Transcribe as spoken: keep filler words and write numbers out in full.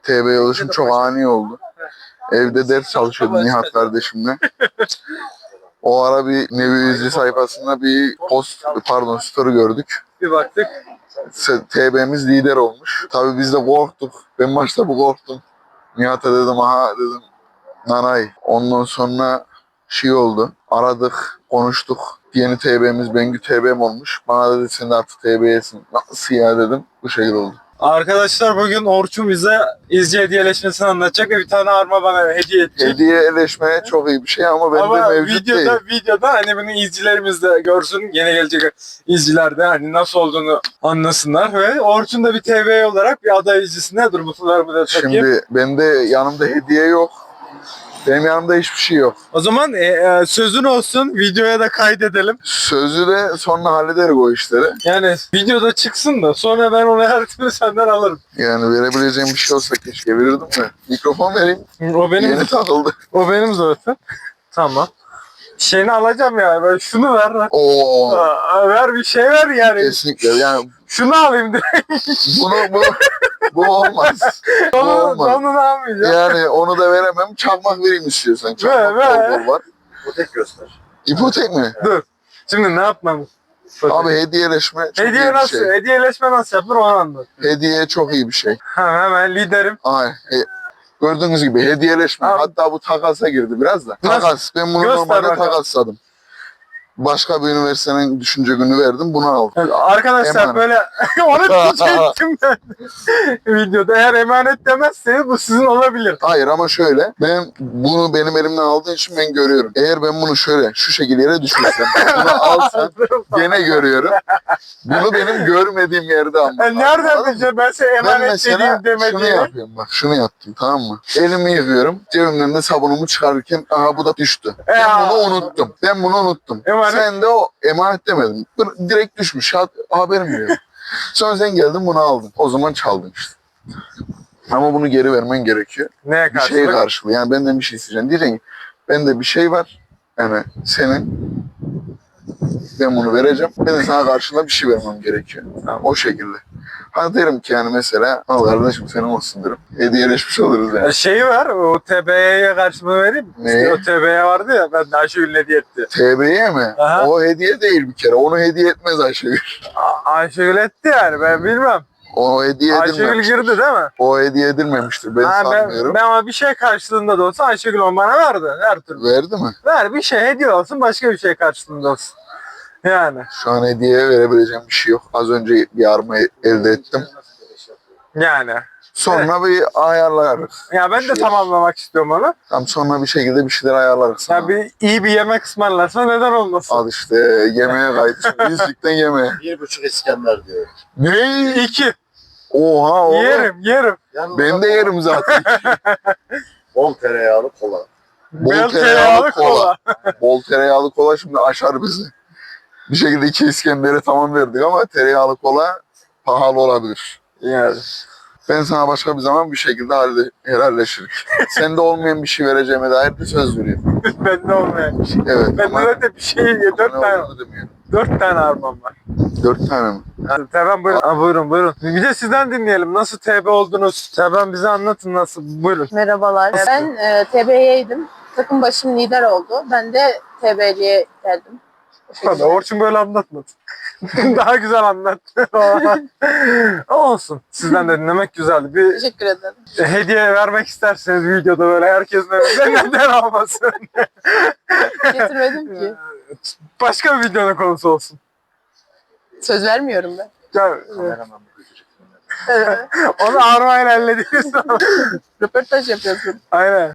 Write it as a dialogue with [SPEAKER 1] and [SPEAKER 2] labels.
[SPEAKER 1] T B'ye oluşum çok ani oldu. Evde ders çalışıyordum Nihat kardeşimle. O ara bir Nevi Üzücü sayfasında bir post, pardon story gördük.
[SPEAKER 2] Bir baktık.
[SPEAKER 1] T B'miz lider olmuş. Tabii biz de korktuk. Ben başta bu korktum. Nihat'a dedim aha dedim nanay. Ondan sonra şey oldu. Aradık, konuştuk. Yeni T B'miz Bengü T B'm olmuş. Bana dedi sen de artık T B'yesin. Nasıl ya dedim. Bu şekilde oldu.
[SPEAKER 2] Arkadaşlar bugün Orçun bize izci hediyeleşmesini anlatacak ve bir tane arma bana hediye edecek.
[SPEAKER 1] Hediyeleşmeye çok iyi bir şey ama bende
[SPEAKER 2] Ama
[SPEAKER 1] mevcut
[SPEAKER 2] videoda,
[SPEAKER 1] değil.
[SPEAKER 2] videoda hani bunu izcilerimiz de görsün, yeni gelecek izciler de hani nasıl olduğunu anlasınlar ve Orçun da bir T V olarak bir aday izcisine dur mutlularımı da takayım.
[SPEAKER 1] Şimdi bende yanımda hediye yok. Benim yanımda hiçbir şey yok.
[SPEAKER 2] O zaman e, e, sözün olsun, videoya da kaydedelim.
[SPEAKER 1] Sözü de sonra hallederiz o işleri.
[SPEAKER 2] Yani videoda çıksın da sonra ben onu her türlü senden alırım.
[SPEAKER 1] Yani verebileceğim bir şey olsa keşke verirdim de. Mikrofon vereyim.
[SPEAKER 2] O benim,
[SPEAKER 1] Yeni takıldı.
[SPEAKER 2] o benim zaten. Tamam. Şeyini alacağım ya. Ben şunu ver. Ver.
[SPEAKER 1] Oo.
[SPEAKER 2] Aa, ver bir şey ver yani.
[SPEAKER 1] Kesinlikle yani
[SPEAKER 2] Şunu alayım direkt.
[SPEAKER 1] bunu bu bu olmaz. Bu
[SPEAKER 2] Onu,
[SPEAKER 1] olmaz.
[SPEAKER 2] onu da almayacağım.
[SPEAKER 1] Yani onu da veremem. Çakmak vereyim istiyorsan. Çakmak
[SPEAKER 2] Ver,
[SPEAKER 1] bol bol var.
[SPEAKER 3] İpotek göster.
[SPEAKER 1] İpotek mi?
[SPEAKER 2] Dur. Şimdi ne yapmam?
[SPEAKER 1] Abi hediyeleşme çok
[SPEAKER 2] Hediye
[SPEAKER 1] iyi bir
[SPEAKER 2] nasıl?
[SPEAKER 1] şey.
[SPEAKER 2] Hediyeleşme nasıl yapılır onu anlat.
[SPEAKER 1] Hediye çok iyi bir şey.
[SPEAKER 2] Ha, hemen liderim.
[SPEAKER 1] Ay, he- gördüğünüz gibi hediyeleşme.
[SPEAKER 2] Abi.
[SPEAKER 1] Hatta bu takasa girdi biraz da.
[SPEAKER 2] Nasıl?
[SPEAKER 1] Takas. Ben bunu
[SPEAKER 2] Göster
[SPEAKER 1] normalde
[SPEAKER 2] bakalım.
[SPEAKER 1] takasladım. Başka bir üniversitenin düşünce günü verdim. Bunu aldım.
[SPEAKER 2] Evet, arkadaşlar
[SPEAKER 1] Emanet.
[SPEAKER 2] böyle onu diyecektim ben videoda. Eğer emanet demezseniz bu sizin olabilir.
[SPEAKER 1] Hayır ama şöyle. Ben bunu benim elimden aldığın için ben görüyorum. Eğer ben bunu şöyle şu şekilde yere düşürsem, bunu alsam gene görüyorum. Bunu benim görmediğim yerde almam.
[SPEAKER 2] Yani nereden
[SPEAKER 1] Anladın mı?
[SPEAKER 2] bileceğim ben size
[SPEAKER 1] Ben
[SPEAKER 2] emanet
[SPEAKER 1] mesela
[SPEAKER 2] dediğim
[SPEAKER 1] şunu
[SPEAKER 2] demediğimi.
[SPEAKER 1] yapıyorum bak şunu yaptım tamam mı? Elimi yıkıyorum. Cebimden de sabunumu çıkarırken aha bu da düştü. Ben
[SPEAKER 2] Ya.
[SPEAKER 1] bunu unuttum. Ben bunu unuttum.
[SPEAKER 2] Emanet.
[SPEAKER 1] Sen de o emanet demedin. Bir- Direkt düşmüş. Ha- Haberim yok. Sonra sen geldin bunu aldın. O zaman çaldın işte. Ama bunu geri vermen gerekiyor.
[SPEAKER 2] Neye
[SPEAKER 1] Bir şeye
[SPEAKER 2] karşı?
[SPEAKER 1] karşılığı. Yani benden bir şey isteyeceksin. Diyeceksin ki bende bir şey var. Yani senin ben bunu vereceğim. Ben de sana karşılığında bir şey vermem gerekiyor.
[SPEAKER 2] Tamam.
[SPEAKER 1] O şekilde. Hani derim ki yani mesela al kardeşim senin olsun derim. Hediyeleşmiş oluruz yani.
[SPEAKER 2] Şeyi ver, o T B'ye karşımı vereyim mi?
[SPEAKER 1] Ne?
[SPEAKER 2] O T B'ye vardı ya, ben de Ayşegül'ün hediye etti.
[SPEAKER 1] T B'ye mi?
[SPEAKER 2] Aha.
[SPEAKER 1] O hediye değil bir kere. Onu hediye etmez Ayşegül.
[SPEAKER 2] A- Ayşegül etti yani, ben bilmem.
[SPEAKER 1] O hediye
[SPEAKER 2] Ayşegül
[SPEAKER 1] edilmemiştir.
[SPEAKER 2] girdi değil mi?
[SPEAKER 1] O hediye edilmemiştir. Ben
[SPEAKER 2] Ha,
[SPEAKER 1] sanmıyorum.
[SPEAKER 2] ben, ben ama bir şey karşılığında da olsa Ayşegül onu bana verdi, her türlü.
[SPEAKER 1] Verdi mi?
[SPEAKER 2] Ver bir şey hediye olsun, başka bir şey karşılığında olsun. Yani.
[SPEAKER 1] Şu an hediye verebileceğim bir şey yok. Az önce bir arma elde ettim.
[SPEAKER 2] Yani.
[SPEAKER 1] Sonra bir ayarlarız.
[SPEAKER 2] Ya ben
[SPEAKER 1] Bir
[SPEAKER 2] de
[SPEAKER 1] şey.
[SPEAKER 2] tamamlamak istiyorum onu.
[SPEAKER 1] Tam sonra bir şekilde bir şeyler ayarlarız.
[SPEAKER 2] Ya
[SPEAKER 1] sana.
[SPEAKER 2] bir iyi bir yemek ısmarlarsa neden olmasın?
[SPEAKER 1] Al işte yemeğe kaydı. Şimdi yüzlükten yemeğe.
[SPEAKER 3] Bir buçuk İskender diyor.
[SPEAKER 1] Ne?
[SPEAKER 2] İki.
[SPEAKER 1] Oha oğlum.
[SPEAKER 2] Yerim, yerim.
[SPEAKER 3] Yalnız
[SPEAKER 1] Ben de yerim zaten.
[SPEAKER 3] bol tereyağlı kola.
[SPEAKER 1] Bol
[SPEAKER 2] Beyaz
[SPEAKER 1] tereyağlı kola. Bol tereyağlı kola şimdi aşar bizi. Bir şekilde iki İskender'e tamam verdik ama tereyağlı kola pahalı olabilir.
[SPEAKER 2] Yani.
[SPEAKER 1] Ben sana başka bir zaman bir şekilde halle, helalleşirik. Sende olmayan bir şey vereceğime dair bir söz veriyorum.
[SPEAKER 2] Bende olmayan bir şey.
[SPEAKER 1] Evet
[SPEAKER 2] Bende
[SPEAKER 1] ama
[SPEAKER 2] zaten bir şey, dört
[SPEAKER 1] ne
[SPEAKER 2] tane,
[SPEAKER 1] olduğunu demiyorum.
[SPEAKER 2] dört tane armam var.
[SPEAKER 1] Dört tane mi?
[SPEAKER 2] Yani, Teben buyurun. Aa, buyurun buyurun. Bir de sizden dinleyelim. Nasıl T B oldunuz? Teben bize anlatın nasıl. Buyurun.
[SPEAKER 4] Merhabalar. Ben e, T B'yeydim. Takım başım lider oldu. Ben de T B'liye geldim. O şekilde.
[SPEAKER 2] Hadi Orçun böyle anlatmadı. Daha güzel anlat. Olsun. Sizden de dinlemek güzeldi. Bir
[SPEAKER 4] Teşekkür ederim.
[SPEAKER 2] hediye vermek isterseniz videoda böyle herkesin önünde neden olmasın?
[SPEAKER 4] Getirmedim ki.
[SPEAKER 2] Başka bir videonun konusu olsun.
[SPEAKER 4] Söz vermiyorum ben.
[SPEAKER 2] Ya,
[SPEAKER 3] Kameraman bu götürecek.
[SPEAKER 2] onu armayla hallediniz.
[SPEAKER 4] Röportaj yapıyorsun.
[SPEAKER 2] Aynen.